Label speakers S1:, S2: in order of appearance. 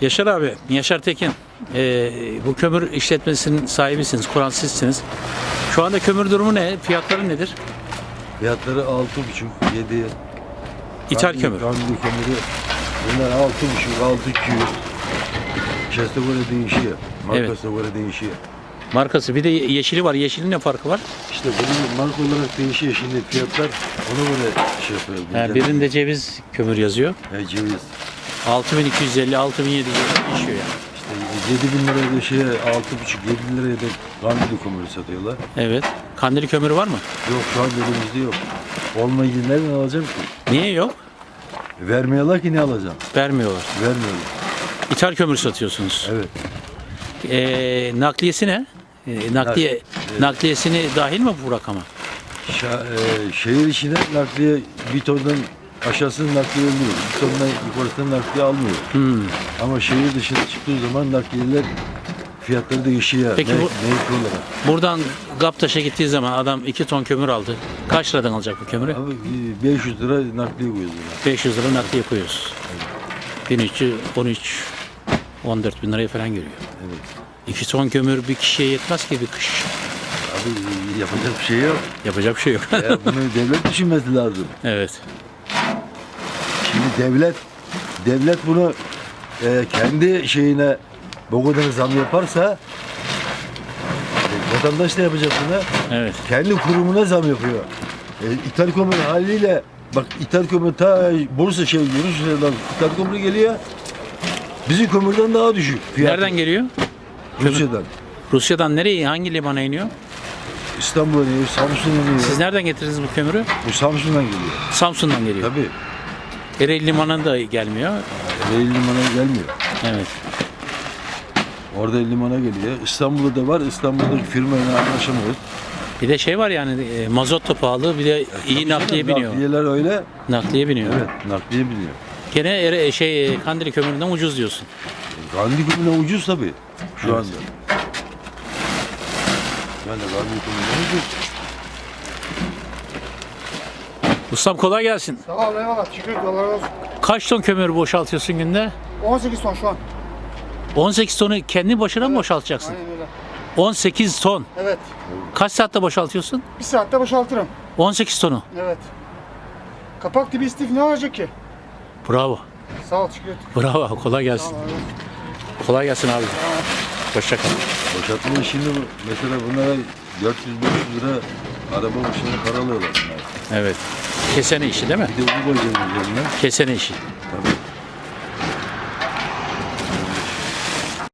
S1: Yaşar abi, Yaşar Tekin. Bu kömür işletmesinin sahibisiniz, kuran sizsiniz. Şu anda kömür durumu ne? Fiyatları nedir?
S2: Fiyatları 6,5, 7.
S1: İthal kömür.
S2: Kandili kömürü. Bunlar 6,5, 6,200. Şeste göre değişiyor. Markasına göre değişiyor.
S1: Markası. Bir de yeşili var. Yeşilin ne farkı var?
S2: İşte bunun marka olarak değişiyor. Şimdi fiyatlar ona göre şey yapıyor.
S1: Birinde ceviz kömür yazıyor.
S2: Ceviz.
S1: 6250, 6700 değişiyor yani.
S2: İşte 7.000 liraya da 6,5, 7 liraya da kandili kömürü satıyorlar.
S1: Evet. Kandili kömürü var mı?
S2: Yok, şu an elimizde yok. Olmayınca nereden alacağım ki?
S1: Niye yok?
S2: Vermiyorlar ki, ne alacağım?
S1: Vermiyorlar.
S2: Vermiyorlar.
S1: İthal kömür satıyorsunuz.
S2: Evet.
S1: Nakliyesi ne? Nakliyesini dahil mi bu rakama?
S2: Şehir içine nakliye bir tondan aşağısını nakliye alıyor. Bir tondan yukarısını nakliye almıyor. Ama şehir dışına çıktığı zaman nakliyeler fiyatları değişiyor.
S1: Peki
S2: Mevki
S1: bu-
S2: olarak.
S1: Buradan Gaptaş'a gittiği zaman adam 2 ton kömür aldı. Kaç liradan alacak bu kömürü?
S2: Abi 500 lira nakliye koyuyorlar.
S1: 500 lira nakliye koyuyoruz. 1300, 13, 14 bin liraya falan geliyor.
S2: Evet.
S1: 2 ton kömür bir kişiye yetmez ki bir kış.
S2: Abi yapacak bir şey yok.
S1: Yapacak bir şey yok.
S2: Bunu devlet düşünmesi lazım.
S1: Evet.
S2: Şimdi devlet bunu kendi şeyine bu kadar zam yaparsa vatandaş ne yapacak buna?
S1: Evet.
S2: Kendi kurumuna zam yapıyor. İthal kömür haliyle bak, ithal kömür ta Bursa Rusya'dan ithal kömür geliyor. Bizim kömürden daha düşük fiyatı.
S1: Nereden geliyor?
S2: Rusya'dan.
S1: Rusya'dan nereye? Hangi limana iniyor?
S2: İstanbul'a iniyor, Samsun'a iniyor.
S1: Siz nereden getirdiniz bu kömürü?
S2: Bu Samsun'dan geliyor.
S1: Samsun'dan geliyor.
S2: Tabii.
S1: Ereğli limanına da gelmiyor.
S2: Ereğli limana gelmiyor.
S1: Evet.
S2: Orada limana geliyor. İstanbul'da da var. İstanbul'daki firmayla anlaşamıyoruz.
S1: Bir de şey var yani mazot da pahalı, bir de iyi nakliye biniyor.
S2: Nakliyeler öyle.
S1: Nakliye biniyor.
S2: Evet, nakliye biniyor.
S1: Gene Kandili kömüründen ucuz diyorsun.
S2: Kandil kömürüne ucuz tabii şu
S1: Evet.
S2: anda. Yani kandil kömürüne ucuz.
S1: Ustam kolay gelsin.
S3: Sağ ol, eyvallah. Teşekkür ederim. Allah razı olsun.
S1: Kaç ton kömür boşaltıyorsun günde?
S3: 18 ton şu an.
S1: 18 tonu kendi başına mı boşaltacaksın?
S3: Aynen öyle.
S1: 18 ton.
S3: Evet.
S1: Kaç saatte boşaltıyorsun?
S3: Bir saatte boşaltırım.
S1: 18 tonu.
S3: Evet. Kapak dibi istif ne olacak ki?
S1: Bravo.
S3: Sağ ol, teşekkür ederim.
S1: Bravo. Kolay
S3: Sağ
S1: gelsin.
S3: ol, eyvallah.
S1: Kolay gelsin abi. Hoşça kal.
S2: Boşaltma işini mesela bunlara 400-500 lira araba başına para alıyorlar bunlar.
S1: Evet. Kesene işi değil mi?
S2: Bir de bunu koyacağız üzerine.
S1: Kesene işi.